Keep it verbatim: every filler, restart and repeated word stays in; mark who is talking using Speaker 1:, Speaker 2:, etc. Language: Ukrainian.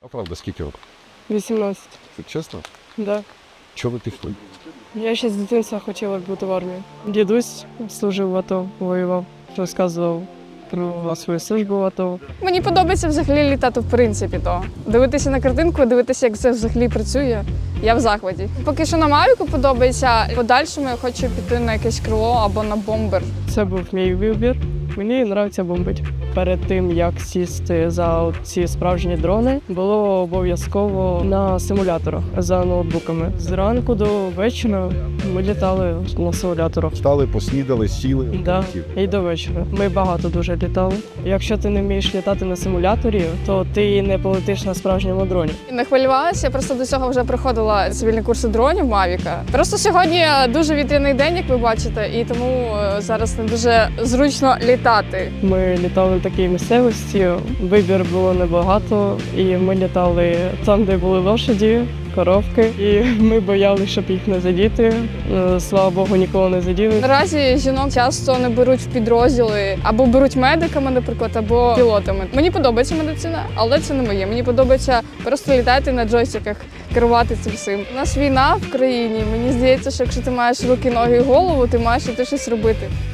Speaker 1: А правда, скільки років?
Speaker 2: вісімнадцять.
Speaker 1: Це чесно?
Speaker 2: Да.
Speaker 1: Чого ви пішли?
Speaker 2: Я ще з дитинства хотіла бути в армії. Дідусь служив в АТО, воював, розказував про свою службу в АТО.
Speaker 3: Мені подобається взагалі літати в принципі то. Дивитися на картинку, дивитися, як це взагалі працює. Я в захваті. Поки що на Мавіку подобається. В подальшому я хочу піти на якесь крило або на бомбер.
Speaker 2: Це був мій вибір. Мені подобається бомбити. Перед тим, як сісти за ці справжні дрони, було обов'язково на симуляторах за ноутбуками. Зранку до вечора ми літали на симуляторах.
Speaker 1: Встали, поснідали, сіли.
Speaker 2: Да,
Speaker 1: полетіли.
Speaker 2: і до вечора. Ми багато дуже літали. Якщо ти не вмієш літати на симуляторі, то ти не полетиш на справжньому дроні.
Speaker 3: Не хвилювалася, я просто до цього вже проходила цивільні курси дронів Мавіка. Просто сьогодні дуже вітряний день, як ви бачите, і тому е, зараз не дуже зручно літати.
Speaker 2: Ми літали в такій місцевості, вибір було небагато, і ми літали там, де були лошаді, коровки, і ми боялися, щоб їх не задіти. Е, Слава Богу, нікого не заділи.
Speaker 3: Наразі жінок часто не беруть в підрозділи, або беруть медиками, наприклад, або пілотами. Мені подобається медицина, але це не моє. Мені подобається просто літати на джойстиках, керувати цим всім. У нас війна в країні. Мені здається, що якщо ти маєш руки, ноги і голову, ти маєш іти щось робити.